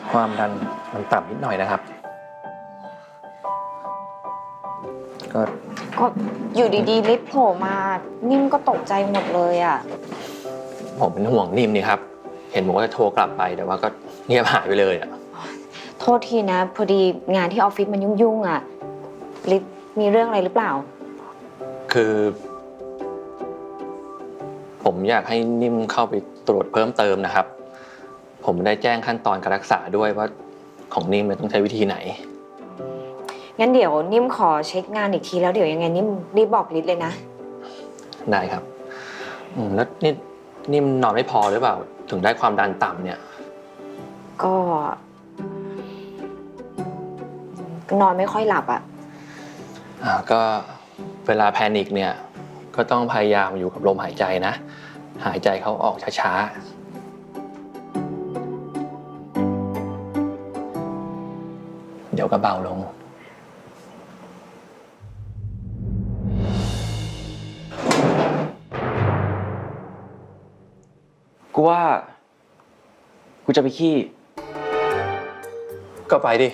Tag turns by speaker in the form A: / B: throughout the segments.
A: ความดันมันต่ำนิดหน่อยนะครับ
B: ก็อยู่ดีๆลิฟต์โผล่มานิ่มก็ตกใจหมดเลยอ่ะ
A: ผมเป็นห่วงนิ่มนี่ครับเห็นบอกว่าจะโทรกลับไปแต่ว่าก็เงียบหายไปเลยอ่ะ
B: โทษทีนะพอดีงานที่ออฟฟิศมันยุ่งๆอ่ะลิฟต์มีเรื่องอะไรหรือเปล่า
A: คือผมอยากให้นิ่มเข้าไปตรวจเพิ่มเติมนะครับผมได้แจ้งขั้นตอนการรักษาด้วยว่าของนิ่มต้องใช้วิธีไหน
B: งั้นเดี๋ยวนิ่มขอเช็คงานอีกทีแล้วเดี๋ยวยังไงนิ่มรีบบอกลิศเลยนะ
A: ได้ครับแล้วนิ่มนอนไม่พอหรือเปล่าถึงได้ความดันต่ำเนี่ย
B: ก็นอนไม่ค่อยหลับอ่ะ
A: ก็เวลาแพนิคเนี่ยก็ต้องพยายามอยู่กับลมหายใจนะหายใจเข้าออกช้าๆเดี๋ยวก็เบาลง
C: กูว่ากูจะไปขี้
A: ก็ไปดิ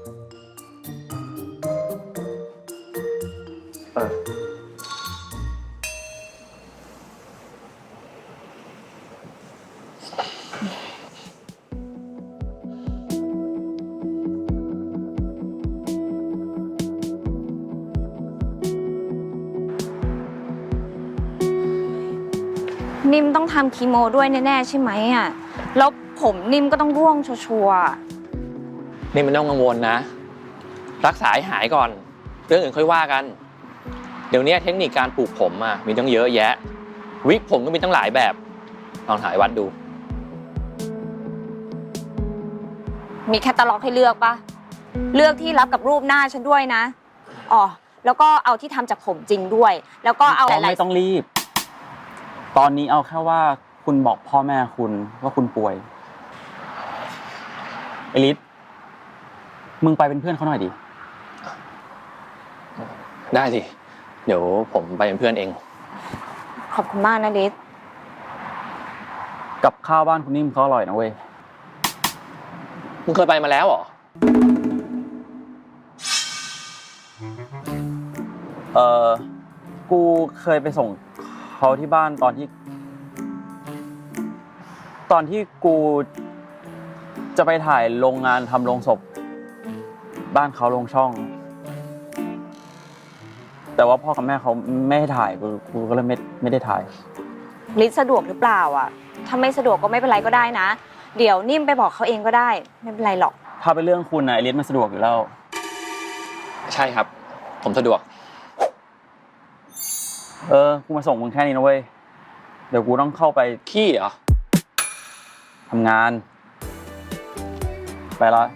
B: นิ่มต้องทำคีโมด้วยแน่ๆใช่ไหมอ่ะแล้วผมนิ่มก็ต้องร่วงชัวร์
A: นี่มันต้องกังวลนะรักษาให้หายก่อนเรื่องอื่นค่อยว่ากันเดี๋ยวนี้เทคนิคการปลูกผมมีตั้งเยอะแยะวิกผมก็มีตั้งหลายแบบลองถ่ายวัดดู
B: มีแคตตาล็อกให้เลือกปะเลือกที่รับกับรูปหน้าฉันด้วยนะอ๋อแล้วก็เอาที่ทำจากผมจริงด้วยแล้วก็เอาหลายๆ
C: ไม่ต้องรีบตอนนี้เอาแค่ว่าคุณบอกพ่อแม่คุณว่าคุณป่วยไอฤทธิ์มึงไปเป็นเพื่อนเขาหน่อยดิ
A: ได้สิเดี๋ยวผมไปเป็นเพื่อนเอง
B: ขอบคุณมากนะฤทธิ์
C: กับข้าวบ้านคุณนิ่มเขาอร่อยนะเว้ย
A: มึงเคยไปมาแล้วเหรอ
C: กูเคยไปส่งเขาที่บ้านตอนที่กูจะไปถ่ายโรงงานทำโรงศพบ้านเขาโรงช่องแต่ว่าพ่อกับแม่เขาไม่ให้ถ่ายกูก็เลยไม่ได้ถ่าย
B: ฤทธิ์สะดวกหรือเปล่าอ่ะถ้าไม่สะดวกก็ไม่เป็นไรก็ได้นะเดี๋ยวนิ่มไปบอกเขาเองก็ได้ไม่เป็นไรหรอก
C: ถ้าเป็นเรื่องคุณนะฤทธิ์มันสะดวกอยู่แล้ว
A: ใช่ครับผมสะดวก
C: กูมาส่งมึงแค่นี้นะเว้ยเดี๋ยวกูต้องเข้าไป
A: ขี้เหรอ
C: ทำงานไปละ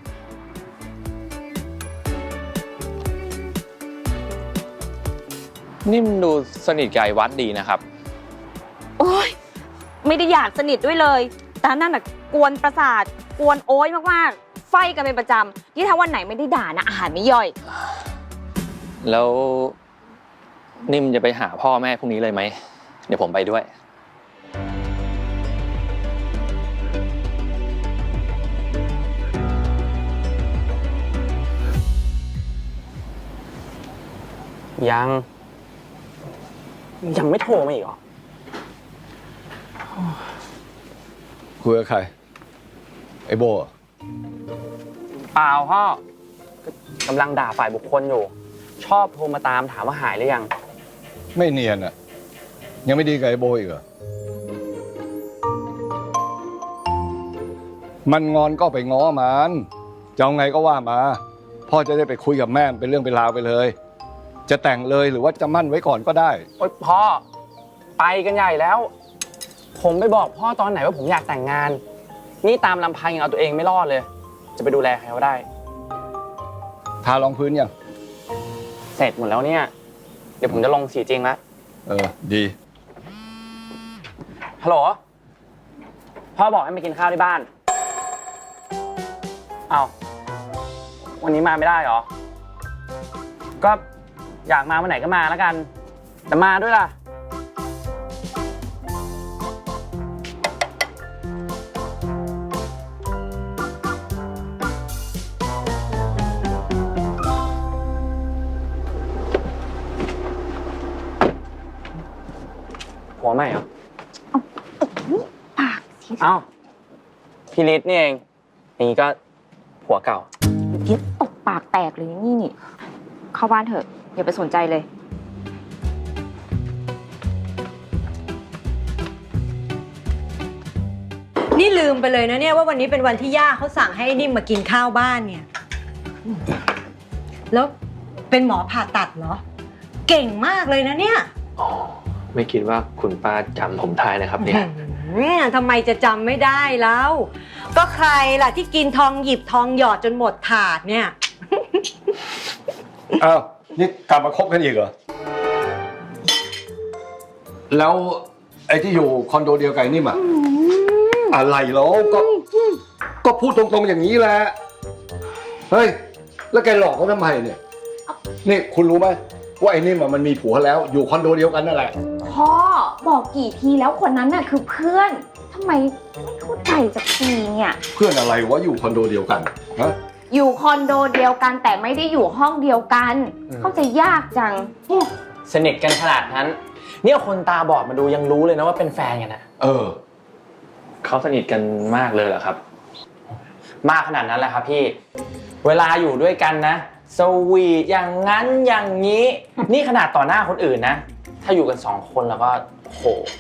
A: นิ่มดูสนิทกับไอ้วัดดีนะครับ
B: โอ๊ยไม่ได้อยากสนิทด้วยเลยแต่นั่นน่ะกวนประสาทกวนโอ๊ยมากๆไฟกันเป็นประจำที่ถ้าวันไหนไม่ได้ด่านะอาหารไม่ย่อย
A: แล้วนิ่มจะไปหาพ่อแม่พรุ่งนี้เลยไหมเดี๋ยวผมไปด้วย
C: ยังไม่โทรมาอีกเหรอ
D: คุยกับใครไอ้โบ
C: เปล่าพ่อกำลังด่าฝ่ายบุคคลอยู่ชอบโทรมาตามถามว่าหายหรือยัง
D: ไม่เนียนอ่ะยังไม่ดีกับไอ้โบอีกเหรอมันงอนก็ไปง้อมันจะเอาไงก็ว่ามาพ่อจะได้ไปคุยกับแม่เป็นเรื่องเป็นราวไปเลยจะแต่งเลยหรือว่าจะมั่นไว้ก่อนก็ได้
C: โอ๊ยพ่อไปกันใหญ่แล้วผมไปบอกพ่อตอนไหนว่าผมอยากแต่งงานนี่ตามลำพังยังเอาตัวเองไม่รอดเลยจะไปดูแลใครเขาได้
D: ทารองพื้นยัง
C: เสร็จหมดแล้วเนี่ยเดี๋ยวผมจะลงสีจริงแล้ว
D: ดี
C: ฮัลโหลพ่อบอกให้มากินข้าวที่บ้านเอาวันนี้มาไม่ได้เหรอก็อยากมาวันไหนก็มาแล้วกันแต่มาด้วยล่ะ
D: พ
C: ผัวใหม่เหรอ
B: ปากสิ
C: เอ้าพี่ฤทธิ์นี่เองอย่างนี้ก็ผัวเก่า
B: เดี๋ยวตบปากแตกเลยนี่ เข้าบ้านเถอะ อย่าไปสนใจเลย
E: นี่ลืมไปเลยนะเนี่ยว่าวันนี้เป็นวันที่ย่าเขาสั่งให้นิ่มมากินข้าวบ้านเนี่ย แล้วเป็นหมอผ่าตัดเหรอ เก่งมากเลยนะเนี่ย
A: อ๋อ ไม่คิดว่าคุณป้าจำผมได้นะครับเนี่ย
E: ทำไมจะจำไม่ได้แล้ว ก็ใครล่ะที่กินทองหยิบทองหยอดจนหมดถาดเนี่ย
D: อ้าวนี่กลับมาคบกันอีกเหรอ แล้วไอ้ที่อยู่คอนโดเดียวกันนี่มาอะไรแล้วก็พูดตรงๆอย่างนี้แหละ เฮ้ย แล้วแกหลอกเขาทำไมเนี่ย นี่คุณรู้ไหมว่าไอ้นี่มันมีผัวแล้วอยู่คอนโดเดียวกันนั่นแหละ
B: พ่อบอกกี่ทีแล้วคนนั้นน่ะคือเพื่อนทำไมไม่เข้าใจสักทีเนี่ย
D: เพื่อนอะไรวะอยู่คอนโดเดียวกันฮะ
B: อยู่คอนโดเดียวกันแต่ไม่ได้อยู่ห้องเดียวกัน เข้าใจยากจัง
C: สนิทกันขนาดนั้น เนี่ยคนตาบอดมาดูยังรู้เลยนะว่าเป็นแฟนกันนะ
A: เขาสนิทกันมากเลยเหรอครับ
C: มากขนาดนั้นแหละครับพี่ เวลาอยู่ด้วยกันนะสวีทอย่างนั้นอย่างนี้ นี่ขนาดต่อหน้าคนอื่นนะ ถ้าอยู่กัน2 คนแล้วก็โห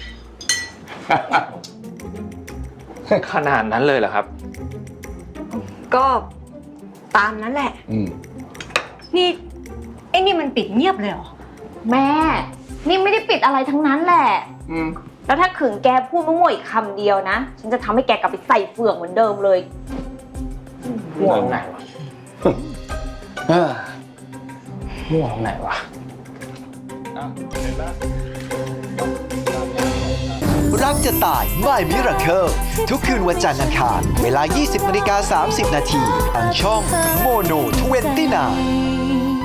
A: ขนาดนั้นเลยเหรอครับ
E: ก็ตามนั้นแหละ นี่ไอ้นี่มันปิดเงียบเลยเหรอ
B: แม่ นี่ไม่ได้ปิดอะไรทั้งนั้นแหละ แล้วถ้าขึงแกพูดมั่วๆอีกคำเดียวนะ ฉันจะทำให้แกกลับไปใส่เฟือกเหมือนเดิมเลย
C: มั่วตรงไหนวะ มั่วตรงไหนวะ
F: รักจะตายไม่มิราเคิลทุกคืนวันจันทร์อังคารเวลา 20:30 นทางช่องโมโน29